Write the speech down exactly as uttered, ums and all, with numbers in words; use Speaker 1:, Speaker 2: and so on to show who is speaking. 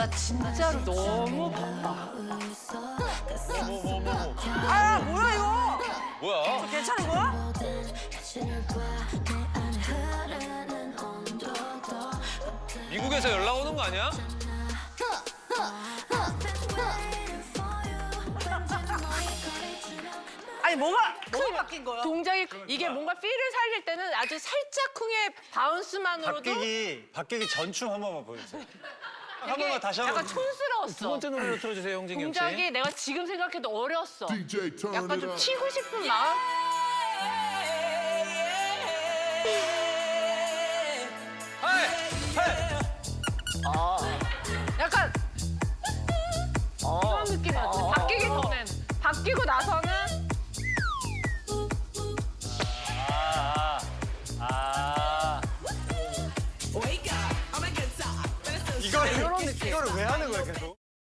Speaker 1: 나 진짜로 너무 바빠.
Speaker 2: 아 뭐야 이거?
Speaker 3: 뭐야?
Speaker 2: 괜찮은 거야?
Speaker 3: 미국에서 연락 오는 거 아니야?
Speaker 2: 아니 뭐가 뭐가 바뀐 거야?
Speaker 1: 동작이 이게 뭔가 필을 살릴 때는 아주 살짝쿵의 바운스만으로도
Speaker 4: 박기기, 박기기 전춤 한 번만 보여주세요. 한
Speaker 1: 되게
Speaker 4: 번만 다시 한
Speaker 1: 약간
Speaker 4: 번.
Speaker 1: 촌스러웠어.
Speaker 3: 두 번째 노래로 틀어주세요, 홍진경 씨.
Speaker 1: 동작이 내가 지금 생각해도 어렸어.
Speaker 5: 디제이 turn
Speaker 1: 약간
Speaker 5: it
Speaker 1: 좀
Speaker 5: up.
Speaker 1: 치고 싶은 마음?
Speaker 3: 헤이! 헤이!
Speaker 1: 약간 이런 느낌이었지. 바뀌기 전엔. 바뀌고 나서는
Speaker 4: 아, 아, 아. 이걸,
Speaker 1: 이런 느낌.
Speaker 4: 이거를 왜 하는 거야, 계속?